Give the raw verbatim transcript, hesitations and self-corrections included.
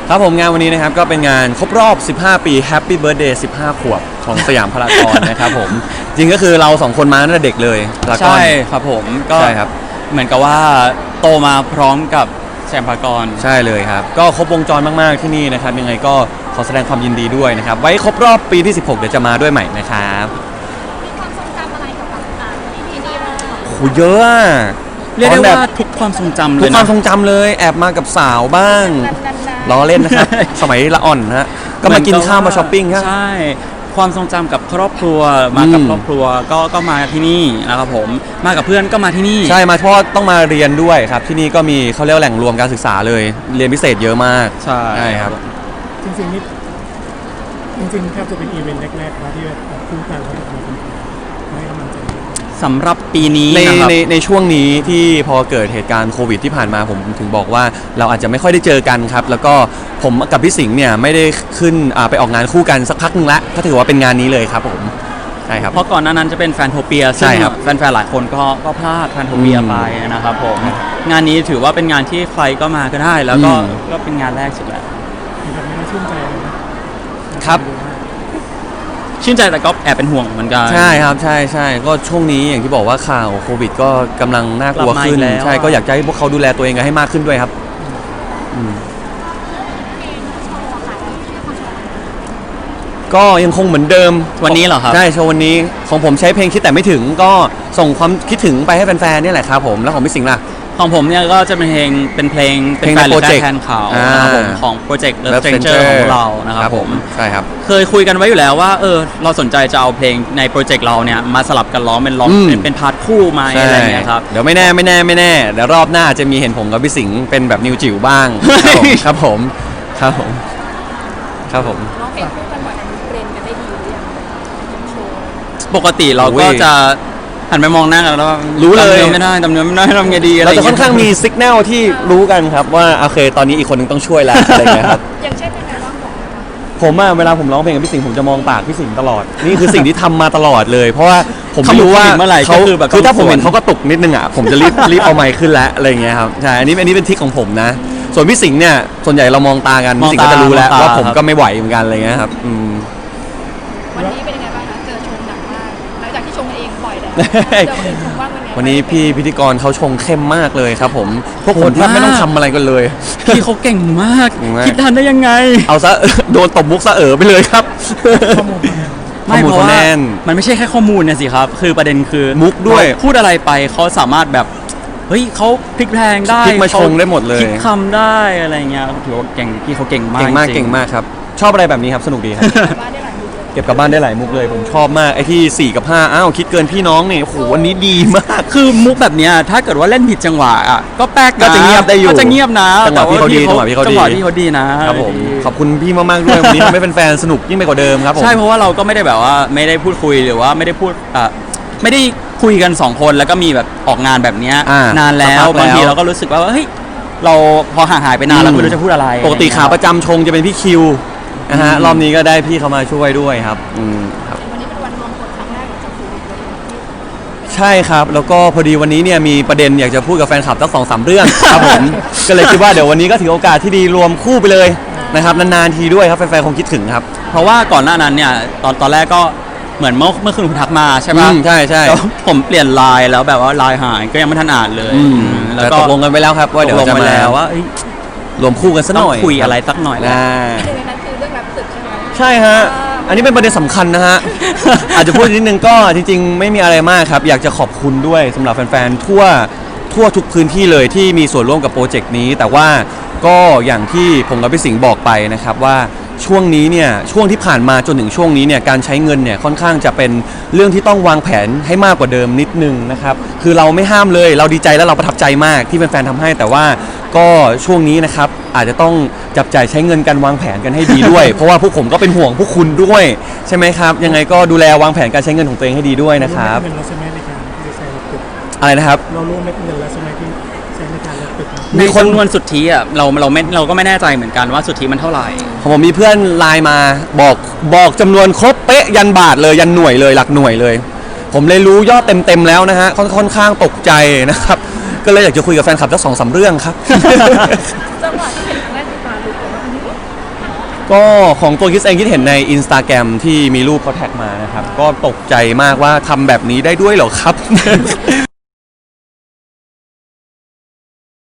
ครับผมงานวันนี้นะครับก็เป็นงานครบรอบสิบห้าปี Happy Birthday สิบห้าขวบของสยามพารากอนนะครับผมจริงก็คือเราสองคนมาตั้งแต่เด็กเลยใช่ครับผมก็ใช่ครับเหมือนกับว่าโตมาพร้อมกับสยามพารากอนใช่เลยครับก็ครบวงจรมากๆที่นี่นะครับยังไงก็ขอแสดงความยินดีด้วยนะครับไว้ครบรอบปีที่สิบหกเดี๋ยวจะมาด้วยใหม่นะครับมีความทรงจำอะไรกับแบบที่นี่บ้างโหเยอะเรียกได้ว่าทุกความทรงจำเลยทุกความทรงจำเลยแอบมากับสาวบ้างล้อเล่นนะครับสมัยละอ่อนฮะก็มากินข้าวมาช้อปปิ้งครับใช่ความทรงจำกับครอบครัวมากับครอบครัวก็ก็มาที่นี่นะครับผมมากับเพื่อนก็มาที่นี่ใช่มาเพราะต้องมาเรียนด้วยครับที่นี่ก็มีเขาเรียกแหล่งรวมการศึกษาเลยเรียนพิเศษเยอะมากใช่ใช่ครับจริงๆนี่จริงๆแทบจะเป็นอีเวนต์แรกๆนะที่แบบคู่กันแล้วแบบมาให้กำลังใจสำหรับปีนี้ในในในช่วงนี้ที่พอเกิดเหตุการณ์โควิดที่ผ่านมาผมถึงบอกว่าเราอาจจะไม่ค่อยได้เจอกันครับแล้วก็ผมกับพี่สิงห์เนี่ยไม่ได้ขึ้นไปออกงานคู่กันสักพักนึงละก็ถือว่าเป็นงานนี้เลยครับผมใช่ครับเพราะก่อนหน้านั้นจะเป็นแฟนโทเปียใช่ครับแฟนๆหลายคนก็ก็พลาดแฟนโทเปียไปนะครับผมงานนี้ถือว่าเป็นงานที่ใครก็มาก็ได้แล้วก็ก็เป็นงานแรกสุดแล้วแบบนี้มันชื่นใจเลยนะครับชื่นใจแต่ก็แอบเป็นห่วงเหมือนกันใช่ครับใช่ใช่ก็ช่วงนี้อย่างที่บอกว่าข่าวโควิดก็กำลังน่ากลัวขึ้นใช่ก็อยากให้พวกเขาดูแลตัวเองกันให้มากขึ้นด้วยครับก็ยังคงเหมือนเดิมวันนี้เหรอครับใช่โชว์วันนี้ของผมใช้เพลงคิดแต่ไม่ถึงก็ส่งความคิดถึงไปให้แฟนๆนี่แหละครับผมแล้วของพี่สิงห์ล่ะของผมเนี่ยก็จะเป็นเพลงเป็นเพลงเป็นแฟนหรือแฟนเขานะครับผมของโปรเจกต์ Love Stranger ของเรานะครับผมใช่ครับเคยคุยกันไว้อยู่แล้วว่าเออเราสนใจจะเอาเพลงในโปรเจกต์เราเนี่ยมาสลับกันร้องเป็นร้องเป็นพาร์ทคู่มาอะไรเงี้ยครับเดี๋ยวไม่แน่ไม่แน่ไม่แน่เดี๋ยวรอบหน้าจะมีเห็นผมกับพี่สิงห์เป็นแบบนิวจิ๋วบ้างครับผมครับผมครับผมร้องเพลงคู่กันบ่อยเรียนกันได้ดีหรือยังโชว์ปกติเราก็จะหันไปมองหน้ากันแล้วรู้เลยไม่ได้ดำเนินไม่ได้ทำไงดีเราจะค่อนข้างมีสัญญาณที่รู้กันครับว่าโอเคตอนนี้อีกคนนึงต้องช่วยแล้วอะไรเงี้ยครับอย่างเช่นเป็นไงบ้างบอกผมอะเวลาผมร้องเพลงกับพี่สิงห์ผมจะมองปากพี่สิงห์ตลอดนี่คือสิ่งที่ทำมาตลอดเลยเพราะว่าผมไม่รู้ว่าเขาคือถ้าผมเห็นเขาก็ตกนิดนึงอะผมจะรีบรีบเอาไมค์ขึ้นแล้วอะไรเงี้ยครับใช่อันนี้อันนี้เป็นทริคของผมนะส่วนพี่สิงห์เนี่ยส่วนใหญ่เรามองตากันพี่สิงห์ก็จะรู้แล้วว่าผมก็ไม่ไหวเหมือนกันอะไรเงี้ยครับวันนี้เป็นยังไงบ้างคะเจอชงหนักมากหลังจากที่ชงเองบ่อยแล้วเจอคนอื่นชงบ้างวันนี้วันนี้พี่พิธีกรเขาชงเข้มมากเลยครับผมพวกผมแทบไม่ต้องทำอะไรกันเลยพี่เขาเก่งมากคิดทันได้ยังไงเอาซะโดนตบมุกซะเอ๋อไปเลยครับไม่เพราะว่ามันไม่ใช่แค่ข้อมูลเนี่ยสิครับคือประเด็นคือมุกด้วยพูดอะไรไปเขาสามารถแบบเฮ้ยเขาพลิกแพลงได้พลิกมาชงได้หมดเลยคิดคำได้อะไรเงี้ยถือว่าเก่งพี่เขาเก่งมากเก่งมากเก่งมากครับชอบอะไรแบบนี้ครับสนุกดีครับเก็บกลับบ้านได้หลายมุกเลยผมชอบมากไอ้ที่สี่กับห้าอ้าวคิดเกินพี่น้องเนี่ยโอ้โหวันนี้ดีมากคือมุกแบบเนี้ยถ้าเกิดว่าเล่นผิดจังหวะอ่ะก็แป๊กก็จะเงียบได้อยู่ก็จะเงียบนะจังหวะพี่เขาดีจังหวะพี่เขาดีจังหวะพี่เขาดีนะครับผมขอบคุณพี่มากๆด้วยวันนี้ทำให้แฟนๆสนุกยิ่งไปกว่าเดิมครับผมใช่เพราะว่าเราก็ไม่ได้แบบว่าไม่ได้พูดคุยหรือว่าไม่ได้พูดอ่ะไม่ได้คุยกันสองคนแล้วก็มีแบบออกงานแบบเนี้ยนานแล้วบางทีเราก็รู้สึกว่าเฮ้ยเราพอห่างหายไปนานแล้วไม่รู้จะพูดอะไรปกติขาประจำชงจะเป็นพี่คิวนะฮะรอบนี้ก็ได้พี่เขามาช่วยด้วยครับอืมครับวันนี้เป็นวันรวมคนครั้งแรกจากโควิดใช่ครับแล้วก็พอดีวันนี้เนี่ยมีประเด็นอยากจะพูดกับแฟนคลับตั้งสองสามเรื่องครับผมก็เลยคิดว่าเดี๋ยววันนี้ก็ถือโอกาสที่ดีรวมคู่ไปเลยนะครับนานๆทีด้วยครับแฟนๆคงคิดถึงครับเพราะว่าก่อนหน้านั้นเนี่ยตอนตอนแรกก็เหมือนเมื่อเมื่อคืนคุณทักมาใช่ไหมใช่ใช่ผมเปลี่ยนไลน์แล้วแบบว่าไลน์หายก็ยังไม่ทันอ่านเลยแล้วก็ตกลงกันไปแล้วครับว่าเดี๋ยวจะมาว่ารวมคู่กันสักหน่อยคุยอะไรสักหน่อยนะคือเรื่องรับศึกใช่ไหมใช่ฮะอันนี้เป็นประเด็นสำคัญนะฮะอาจจะพูดนิดนึงก็จริงๆไม่มีอะไรมากครับอยากจะขอบคุณด้วยสำหรับแฟนๆทั่วทั่วทุกพื้นที่เลยที่มีส่วนร่วมกับโปรเจกต์นี้แต่ว่าก็อย่างที่ผมกับพี่สิงห์บอกไปนะครับว่าช่วงนี้เนี่ยช่วงที่ผ่านมาจนถึงช่วงนี้เนี่ยการใช้เงินเนี่ยค่อนข้างจะเป็นเรื่องที่ต้องวางแผนให้มากกว่าเดิมนิดนึงนะครับคือเราไม่ห้ามเลยเราดีใจและเราประทับใจมากที่แฟนๆทำให้แต่ว่าก็ช่วงนี้นะครับอาจจะต้องจับจ่ายใช้เงินกันวางแผนกันให้ดีด้วย เพราะว่าพวกผมก็เป็นห่วงพวกคุณด้วยใช่ไหมครับยังไงก็ดูแลวางแผนการใช้เงินของตัวเองให้ดีด้วยนะครับอะไรนะครับเราร่วมเม็ดเงินแล้วใช่ไหมที่ใช้ในการรับตึกมีคนนวลสุทธิอ่ะเราเราไม่เราก็ไม่แน่ใจเหมือนกันว่าสุทธิมันเท่าไหร่ผมมีเพื่อนไลน์มาบอกบอกจำนวนครบเป๊ะยันบาทเลยยันหน่วยเลยหลักหน่วยเลยผมเลยรู้ยอดเต็มๆแล้วนะฮะค่อนข้างตกใจนะครับก็เลยอยากจะคุยกับแฟนคลับสักสองสามเรื่องครับจังหวะที่เห็นแรกที่ตาลุกเลยว่าก็ของตัวคิดเองคิดเห็นใน Instagram ที่มีรูปเขาแท็กมานะครับ ก็ตกใจมากว่าทำแบบนี้ได้ด้วยเหรอครับ